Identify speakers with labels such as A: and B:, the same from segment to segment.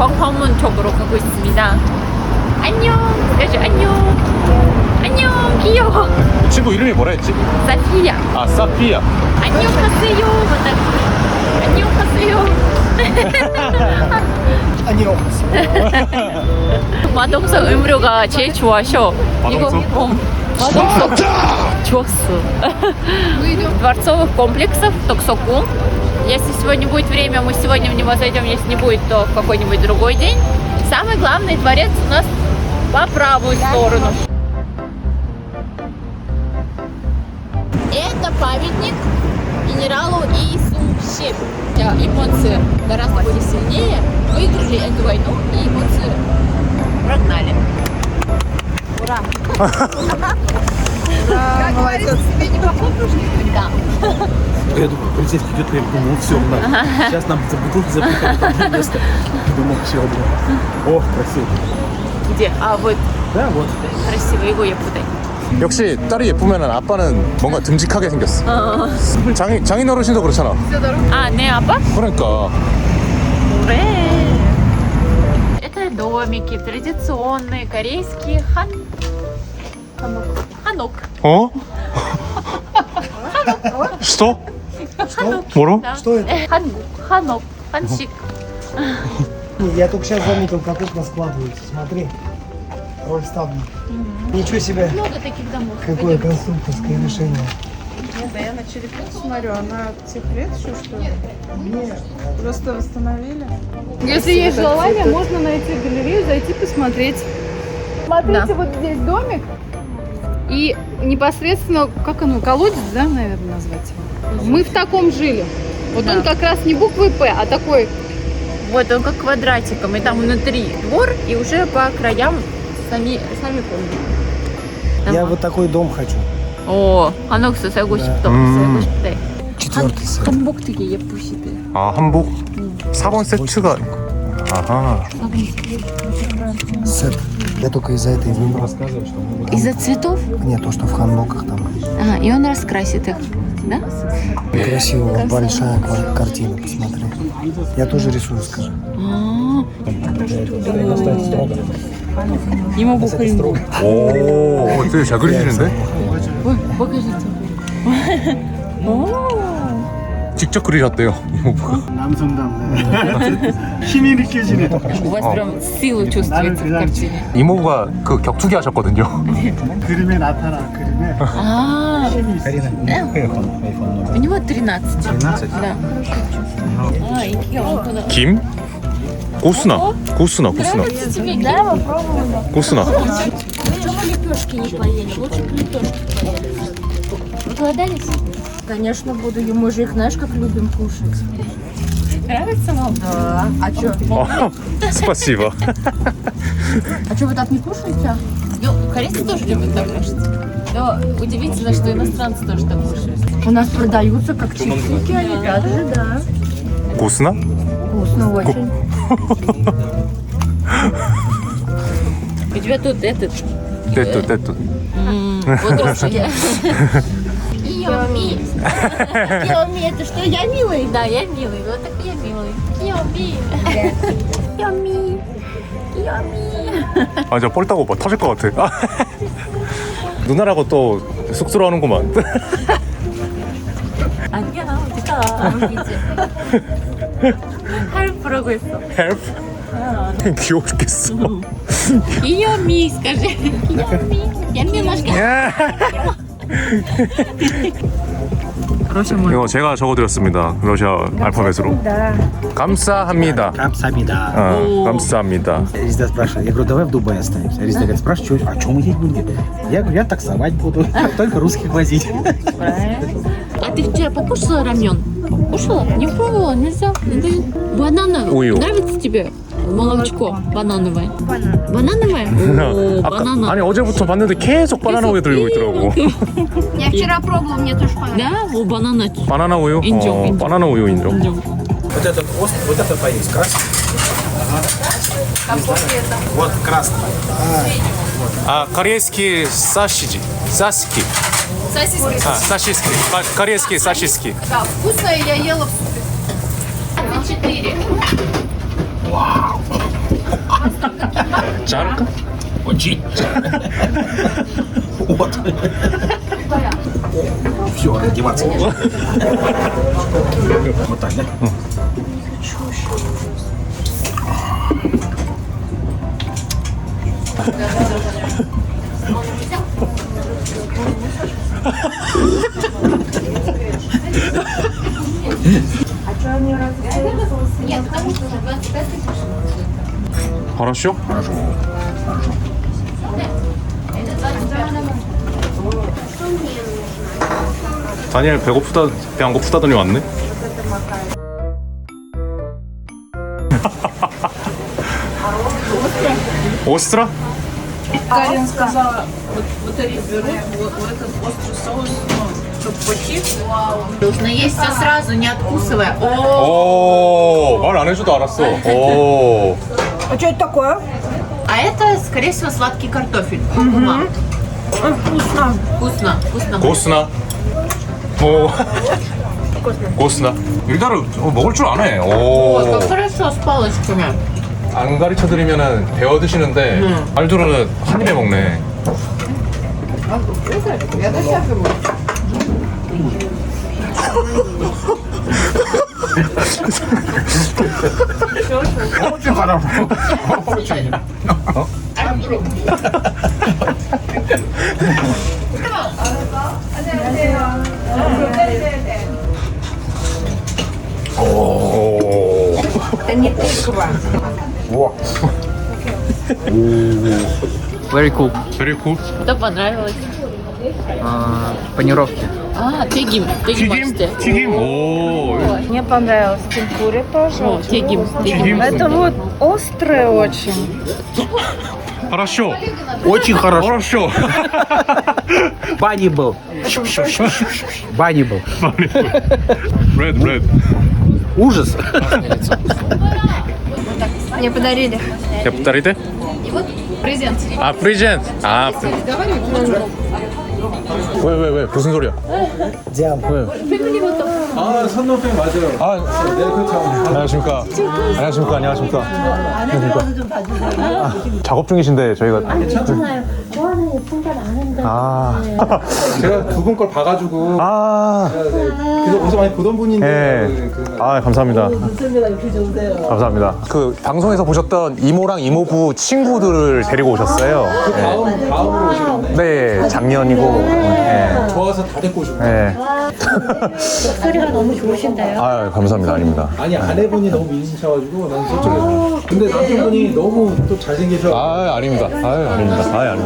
A: 광화문 쪽으로 가고 있습니다. 안녕. скажи 안녕. 안녕. 귀여워.
B: 친구 이름이 뭐라 했지?
A: 사피야.
B: 아, 사피야.
A: 안녕하세요. 맞다. 안녕하세요.
C: 안녕.
A: 마동석 음료가 제일 좋아셔.
B: 마동석?
A: 이거 마동석 좋았어. Дворцовых комплексов Токсоку. Если сегодня будет время, мы сегодня в него зайдем. Если не будет, то в какой-нибудь другой день. Самый главный дворец у нас по правую сторону. Это памятник генералу Иисусе. Японцы гораздо были сильнее, выиграли эту войну, и японцы прогнали. Ура!
C: Да, молодец. Тебе не похлопаешь?
A: Да.
D: Я думаю, полицейский идет, я думал, все, сейчас нам за бутылки запихали там место. Думал, все, О, красиво.
A: Где? А вот
D: Да, вот.
A: красиво, его я путаю.
B: 역시 딸이 예쁘면 아빠는 뭔가 듬직하게 생겼어. 장인 어르신도 그렇잖아.
A: А, не 아빠?
B: 그러니까.
A: Уре! Это домики традиционные, корейские ханок.
B: 어? что? 뭐로?
A: Да.
C: Что это?
A: Ханок, хансик.
C: Я только сейчас заметил, как окна складываются. Смотри. Рольставни. Ничего себе.
A: Много таких домов.
C: Какое конструкторское решение.
E: Да я на черепицу смотрю, она тех лет еще что ли?
C: Нет.
E: Просто восстановили.
F: Если есть желание, можно найти галерею, зайти посмотреть. Смотрите, вот здесь домик. И непосредственно, как оно, колодец, да, наверное, назвать его? Мы в таком жили. Вот он как раз не буквой «П», а такой.
A: Вот он как квадратиком, и там внутри двор, и уже по краям сами комнаты.
C: Я вот такой дом хочу.
A: 오, 한옥수 살고 싶다. 살고 싶대.
C: Четвертый сет.
A: 한복 되게 예쁘시대.
B: 아, 한복 4번 세트가. 아하.
C: Сет. Я только из-за этой выбрал.
A: Из-за цветов?
C: Нет, то, что в ханбоках там.
A: Ага, и он раскрасит их, да?
C: Красивая большая картина, посмотри. Я тоже рисую, скажи.
A: 이모 보컬.
B: 오, 되게 잘 그리시는데?
A: ой, покажите.
B: 직접 그리셨대요.
C: 힘이 느껴지네.
A: У вас прям сила чувствуется в картине.
B: 이모가 그 격투기 하셨거든요.
C: 그림에 나타나, 그림에.
A: А, у него 13.
D: 13?
A: Да. А, и киёнко.
B: 김? 고수나. 고수나.
A: Нравится тебе? Да, попробуем.
B: 고수나.
A: Почему лепешки не поели? Лучше бы лепешки поели. Проголодались?
E: Конечно, буду. Мы же их, знаешь, как любим кушать.
A: Нравится вам?
E: Да. А что?
B: спасибо.
E: А что, вы так не кушаете?
A: Ну, корейцы тоже любят так кушать. Но удивительно, что иностранцы тоже так кушают.
E: У нас продаются как чипсики, олимпиады же, да.
B: 고수나?
E: Вкусно очень.
A: У тебя тут этот...
B: 떼뚜.
A: Бодрствие.
E: Киоми. Киоми, это что, я милый?
A: Да, я милый. Вот так я милый. Киоми. Киоми. Киоми.
B: 아, 저 뻘따고 오빠 터질 것 같아. 누나라고 또 쑥스러워하는구만.
A: 아니야, 어디가. 할프라고 했어.
B: 헬프? 귀여워 죽겠어.
A: Киоми, скажи. Киоми. Я немножко. 러시아
B: 이거 제가 적어드렸습니다. 러시아 알파벳으로. 감사합니다.
D: Камсамида.
B: 감사합니다.
D: Резида спрашивает, я говорю, давай в Дубае останемся. Резида говорит, спрашивает, а что мы есть будем? Я говорю, я таксовать буду, только русских возить.
A: А ты вчера покушала рамен? Кушала? Не пробовала? Нельзя? Не дают. Банановое.
B: Ую.
A: Нравится тебе? Молочко банановое. Банановое? О, банана.
B: 아니 어제부터 봤는데 계속 바나나 우유 들고 있더라고.
E: Я вчера пробовала, мне тоже понравилось.
A: Да? О, банана.
B: 바나나 우유?
A: 인정, 인정.
B: 바나나 우유 인정.
A: 인정.
D: Вот этот вот это поесть, красный. Вот красный.
B: 아, корейский саши지. 사시키.
A: Сосиски.
B: 아, 사시스키. корейский 사시스키.
A: Да, вкусное я ела в супе. 24.
B: 자를까?
D: Очень. Вот. Все, раздеваться можно. Вот так, да?
B: хорошо? 다니엘 배고프다 배 안 고프다더니 왔네. Остро?
E: Карин сказала, вот эти берут, вот этот острый соус, чтобы почив.
A: Нужно есть все сразу, не откусывая.
B: 오, 말 안 해줘도 알았어. 오.
E: А что это такое?
A: А это, скорее всего, сладкий картофель. Куркума.
E: Вкусно.
A: Вкусно, вкусно.
B: 고스나. 오. 고스나. 일단은 먹을 줄 아네. 오.
A: Ой, как хорошо с палочками.
B: 안 가르쳐 드리면은 배워 드시는데 알도르는 한 입에 먹네.
D: Очень хорошо. Очень.
B: 오. 우와.
G: Very cool.
B: Very cool.
A: Что понравилось?
G: Панировки.
A: А, тегим. Тегим.
B: 튀김? 튀김? 오.
E: Мне понравилось. Темпури тоже.
A: О, тегим.
B: 튀김.
E: Это вот острое очень.
B: хорошо.
D: Очень хорошо.
B: хорошо.
D: Бани был. Бани был.
B: Red.
D: Ужас.
E: Мне подарили.
B: Я повторите?
F: Презент.
B: 아, 프리젠트. 아. 왜? 무슨 소리야?
D: 아, 선동팬 맞아요.
B: 아, 안녕하십니까. 안녕하십니까. 아, 작업 중이신데 저희가.
H: 괜찮아요. 좋아하는 예쁜 건 아는데.
B: 아.
D: 제가 두 분 걸 봐가지고
B: 아.
D: 그래서 어디서 많이 보던 분인데
B: 네. 아, 감사합니다. 감사합니다. 그 방송에서 보셨던 이모랑 이모부 친구들을 데리고 오셨어요.
D: 다음으로 오시겠네.
B: 네, 작년이고. 네.
D: 좋아서 다 데리고 오셨네.
B: 네.
H: 목소리가 너무 좋으신데요.
B: 아, 감사합니다. 아닙니다.
D: 아니 아내분이 너무 미인이셔가지고 난 솔직히 근데 남편분이 너무 또 잘생기셔.
B: 아, 아닙니다. 아닙니다.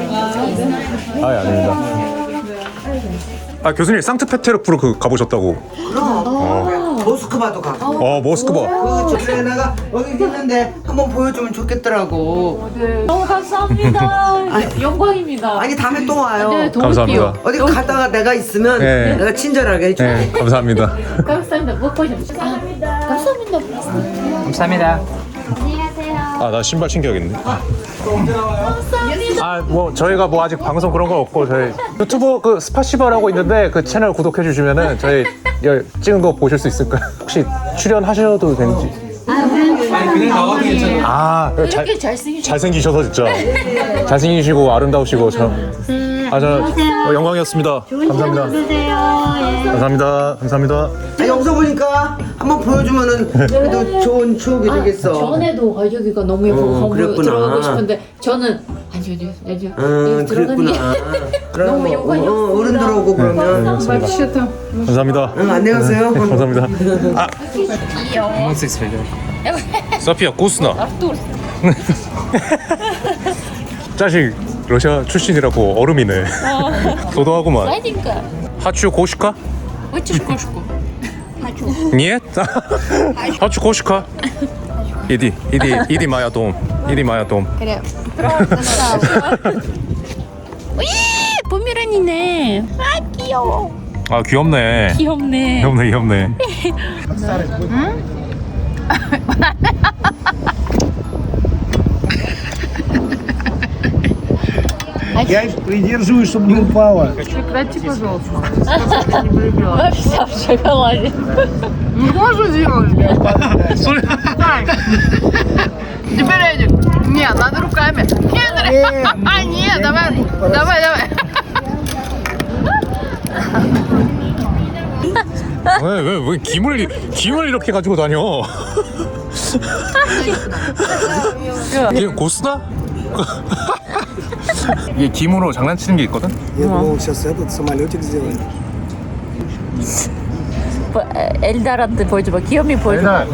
B: 아, 교수님 상트페테르부르크 그 가보셨다고.
I: 모스크바도 가고.
B: 모스크바.
I: 그 주제나가 여기 있는데 한번 보여주면 좋겠더라고.
A: 너무 감사합니다. 영광입니다.
I: 아니 다음에 또 와요.
A: 네, 더
B: 감사합니다.
A: 올게요.
I: 어디 가다가 내가 있으면
B: 네.
I: 내가 친절하게 해줄게.
B: 네, 감사합니다.
A: 감사합니다. 뭐 보셨죠? 감사합니다.
G: 감사합니다.
B: 아, 나 신발 챙겨야겠네. 뭐 저희가 뭐 아직 방송 그런 거 없고 저희 유튜브 그 스파시바라고 있는데 그 채널 구독해 주시면은 저희 찍은 거 보실 수 있을까요? 혹시 출연하셔도 되는지?
D: 그냥 나와도 괜찮아요.
B: 아,
A: 이렇게
B: 잘생기셔서 진짜 잘생기시고 아름다우시고 저 영광이었습니다. 감사합니다. 감사합니다.
I: 아, 영상 보니까 한번 보여주면은 그래도 좋은 추억이 되겠어.
A: 전에도 여기가 너무 예쁘고 한번
I: 그랬구나.
A: 들어가고 싶은데 저는 아니요. 여기
I: 그랬구나.
A: 너무 영광이었습니다.
I: 어른들 오고 그러면.
F: Вообще-то.
B: 감사합니다.
I: 안녕히 가세요.
B: 감사합니다. 아, 소피아 고스나.
A: Артур,
B: 자식 러시아 출신이라고 얼음이네. 도도하구만.
A: сладенько.
B: 하추 고시카?
A: Хочешь кошку?
B: Нет? Хочу кошка. Иди моя дом.
A: 포메라니네. 아 귀여워.
B: 아, 귀엽네.
A: 귀엽네.
C: Я их придерживаю, чтобы не упала.
F: Прекрати, пожалуйста.
A: Она вся в шоколаде.
F: Ну, можно сделать? Теперь Эдик. Нет, надо руками. Нет, нет, давай.
B: 왜 김을 이렇게 가지고 다녀? 이게 고스나? 이게 김으로 장난치는 게 있거든?
C: Я думал, сейчас этот самолетик сделаем.
A: Эльдар한테 보여줘봐. 귀염이 보여줘봐.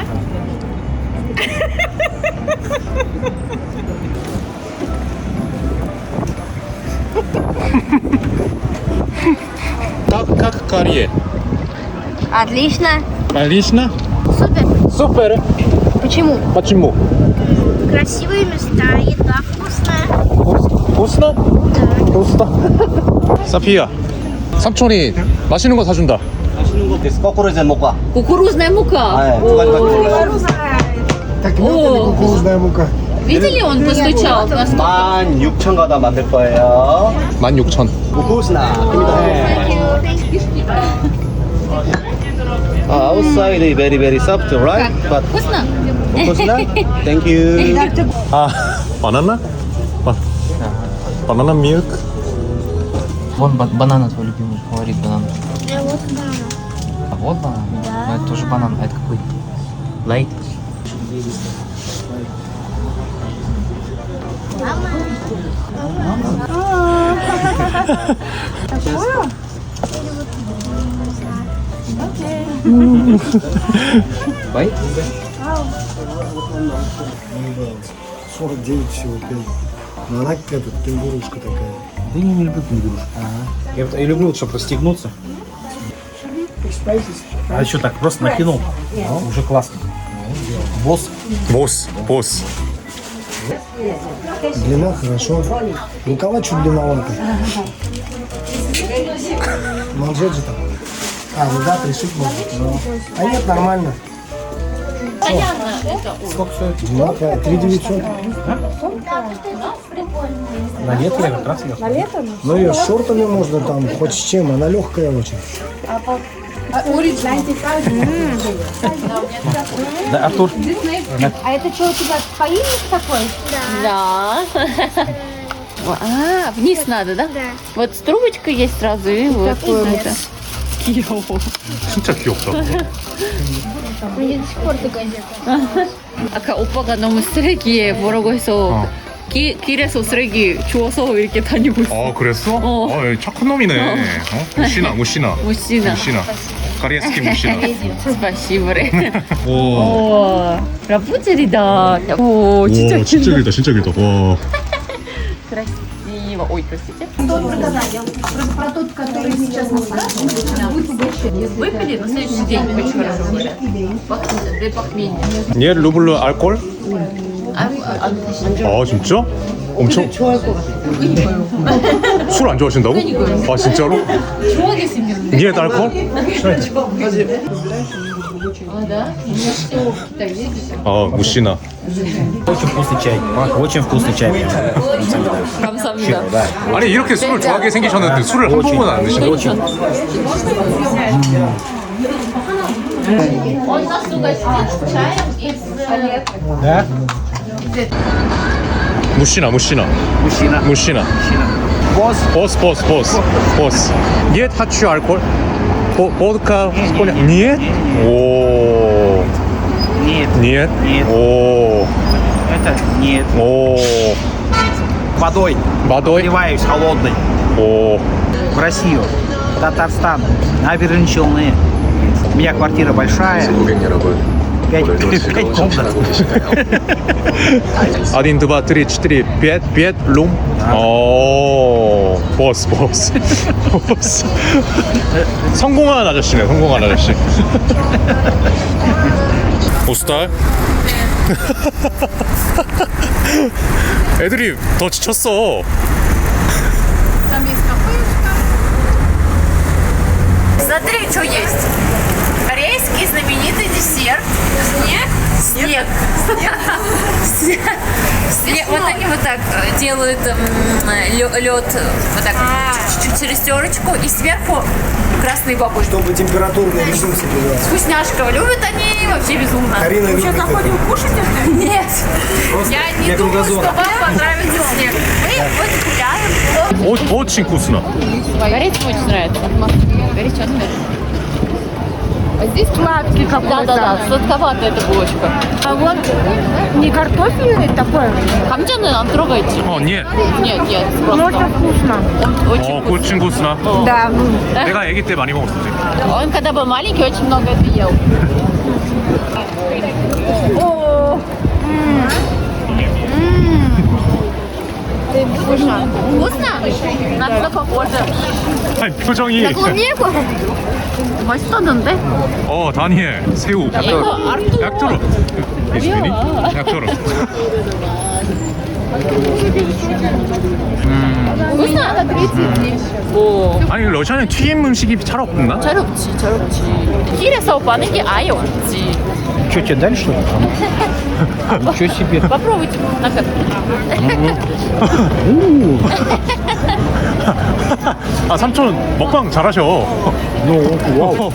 B: как карье?
H: Отлично.
B: Отлично?
H: Супер.
B: Супер!
H: Почему?
B: Почему?
H: Красивые места, еда вкусная.
B: 고스나? 고스나? 사피야, 삼촌이 맛있는 거 사준다.
I: 거꾸로제 먹고.
A: Кукурузная мука.
I: 네, 두 가지밖에 몰라요.
C: Так мелко или кукурузная мука?
A: Видели, он постучал.
I: 16,000가다 만들 거예요.
B: 16,000.
I: 고스나. Outside is very soft, right? But
A: Вкусно?
I: 고스나? Thank you.
B: 아, 바나나? 바나나 밀크?
G: Вон банан твой любимый, говорит банан.
H: Вот да.
G: А вот банан? Да. Но это тоже банан, а это какой? Лайт? Лайт?
C: 49 всего 5. Но она какая-то кенгурушка такая.
D: Да я не люблю кенгурушку. Я люблю, вот, чтобы расстегнуться. А еще так просто накинул. Уже классно. Босс.
B: 보스.
C: Длина хорошо. Рукава чуть длинновато. Манжет же там. А, ну да, пришить можно. А нет, нормально.
D: Сколько стоит?
C: 3900.
D: На лето я как раз ее.
C: Ну ее с шортами можно там, хоть с чем, она легкая очень.
D: Да, Артур.
H: А это что у тебя поильник такой?
A: Да. А, вниз надо, да?
H: Да.
A: Вот с трубочкой есть сразу и вот. Это. 귀여워.
B: 진짜 귀엽다.
H: Мне до сих пор такая одета.
A: 아까 오빠가 너무 쓰레기에 뭐라고 해서 길에서 쓰레기 주워서 이렇게 다니고 있어.
B: 아, 그랬어?
A: 어.
B: 착한 놈이네. 무시나.
A: 무시나.
B: 가리에스키 무시나.
A: 스파시브레.
B: 오.
A: 오, 라푼젤이다. 오, 진짜 길다.
B: 진짜 길다. 와.
A: красиво. Ой, простите.
H: Про тот, который сейчас на
A: Выпили на следующий день. Очень хорошо говорят. Для похмелья.
B: 얘 루블루 알콜? 아, 진짜? 엄청 술 안 좋아하신다고? 아, 진짜로?
A: 좋아하게 생겼는데.
B: 니에 알콜?
A: А, да?
B: 아, 무시나.
D: Очень вкусный чай. Очень вкусный чай.
A: 감사합니다.
D: Да.
B: 아니, 이렇게 술을 좋아하게 생기셨는데 술을 한 번은 안 드시나요?
A: Он нас угостит чаем и с...
D: Да?
B: 무시나.
D: Мужчина.
B: 보스. 니에 타취 알콜? 보드카 스코냐? 니에? 오.
D: Нет.
B: 니에? 오.
D: Это нет.
B: 오.
D: Водой.
B: 마도이?
D: Наливаюсь холодной.
B: 오.
D: В Россию. Татарстан. Набережные Челны. У меня квартира большая. 5 комнат.
B: 1, 2, 3, 4, 5 룸? 오. 보스. 성공한 아저씨네, 오스탈? 애들이 더 지쳤어.
A: Смотри, что есть. Корейский знаменитый десерт. Снег. Вот они вот так делают лед вот так чуть-чуть через терочку и сверху красные бабушки.
C: Чтобы температурный режим соблюдать.
A: Вкусняшка. Любят они вообще безумно.
C: Карина любит это.
E: Кушать это?
A: Нет. Я не думаю, что вам понравится снег. Мы вот гуляем.
B: Очень вкусно.
A: Горячий очень нравится. Горячий очень нравится.
F: А здесь сладкий какой-то.
A: Да, сладковатая эта булочка.
F: А вот не картофельный такой.
A: Хамджаны нам трогайте.
B: нет.
A: Нет,
F: Но
A: просто.
F: это вкусно.
A: Он очень вкусный.
B: очень вкусно.
F: Да.
B: 내가 아기 때 많이 먹었었지.
A: Он когда был маленький, очень много это ел. Вкусно? На что похоже?
B: 아니, 표정이.
A: клубнику? 맛있었는데?
B: 다니엘, 새우.
A: 이거 артур.
B: 약토로. 예수님이? 약토로.
A: вкусно? 오.
B: 아니, 러시아는 튀김 음식이 잘 없나?
A: 잘 없지. 길에서 파는 게 아예 없지.
D: Что, тебе дали что-то? Ничего себе.
A: Попробуйте.
B: 아, 삼촌 먹방 잘하셔.
D: Вау.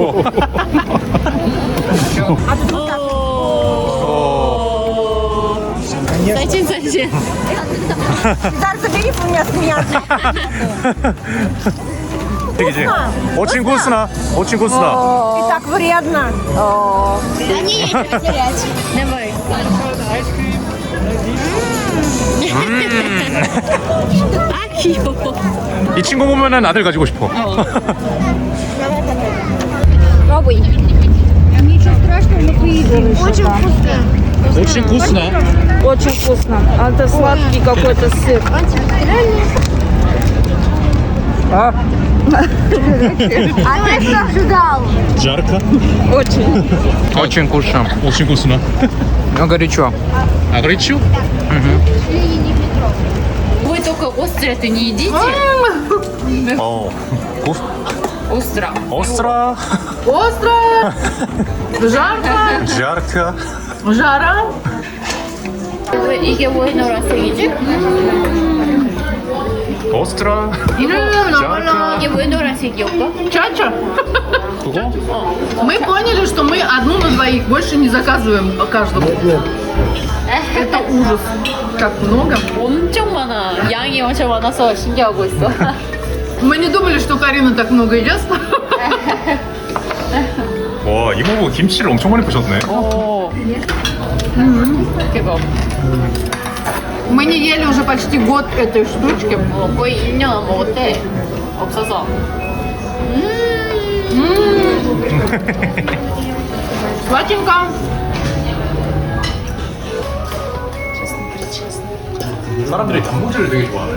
A: Зайчин.
E: Дар, забери у меня смеяться.
B: 되게지. очень вкусно. очень вкусно.
E: И так вредно.
H: Да не, потерять.
A: Давай. 아 귀여워.
B: 이 친구 보면은 아들 가지고 싶어.
H: Пробуй. Ничего страшного, мы поедим. Очень вкусно.
B: очень вкусно.
F: Очень вкусно. А это сладкий какой-то сыр.
H: А ты что ожидал?
B: жарко.
G: Очень вкусно.
B: очень вкусно.
G: Но горячо.
B: А горячо?
A: Вы только острое это не едите. Остро.
B: остро.
F: Остро. Жарко.
B: жарко.
F: Жара.
A: 이게 뭐 노란색이지?
B: остро.
A: 이게 왜 노란색이 오빠?
F: Чача.
B: 그거?
F: Мы поняли, что мы одну на двоих больше не заказываем по каждому. Это ужас. Как много.
A: 엄청 많아. 양이 엄청 많아서 신기하고 있어.
F: Мы не думали, что Карина так много ест.
B: 와, 이모부 김치를 엄청 많이 부셨네.
A: 오. 대박.
F: Мы не ели уже почти год этой штучки.
A: 거의 1년 먹었대. 없어서.
F: Сладенько.
B: 사람들이 단무지를 되게 좋아하네.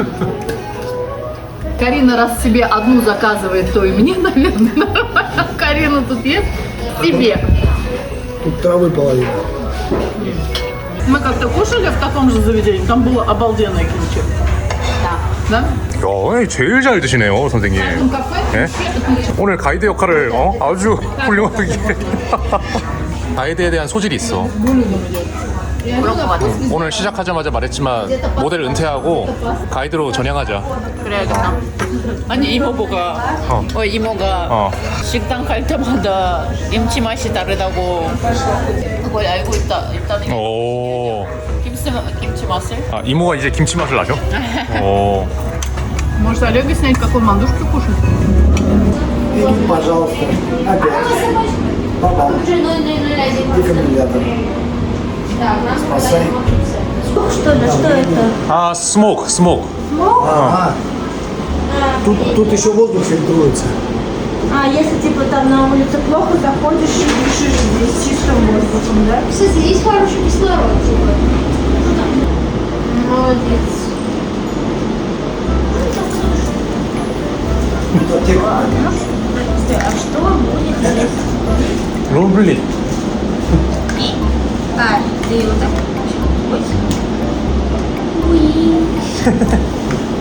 F: Карина раз себе одну заказывает, то и мне, наверное. Карина тут ест себе.
C: Тут травы половина.
F: Мы как-то кушали в таком же заведении, там было обалденное кимчи. Да?
B: 야, 제일 잘 드시네요, 선생님. 네? 오늘 가이드 역할을 아주 훌륭하게. 가이드에 대한 소질이 있어.
A: 그런 거 같아.
B: 오늘 시작하자마자 말했지만 모델 은퇴하고 가이드로 전향하자.
A: 그래야겠다. 아니 이모가 이모가 식당 갈 때마다 김치 맛이 다르다고 그걸 알고 있다는 게
B: 오.
A: 김치 맛을?
B: 아, 이모가 이제 김치 맛을 아셔? 오.
F: Может, Олега снять, как он мандушки кушает?
C: И, пожалуйста, опять. Попал. Дефибриллятор. Спасай.
H: Что это?
B: 아, 스모크.
C: Ага. Тут еще воздух фильтруется.
H: А если типа там на улице плохо, заходишь и дышишь здесь чистым воздухом, да? Кстати, здесь хороший кислород, типа. Молодец. А что будет?
B: 롤블리.
H: Ты вот так. Ой.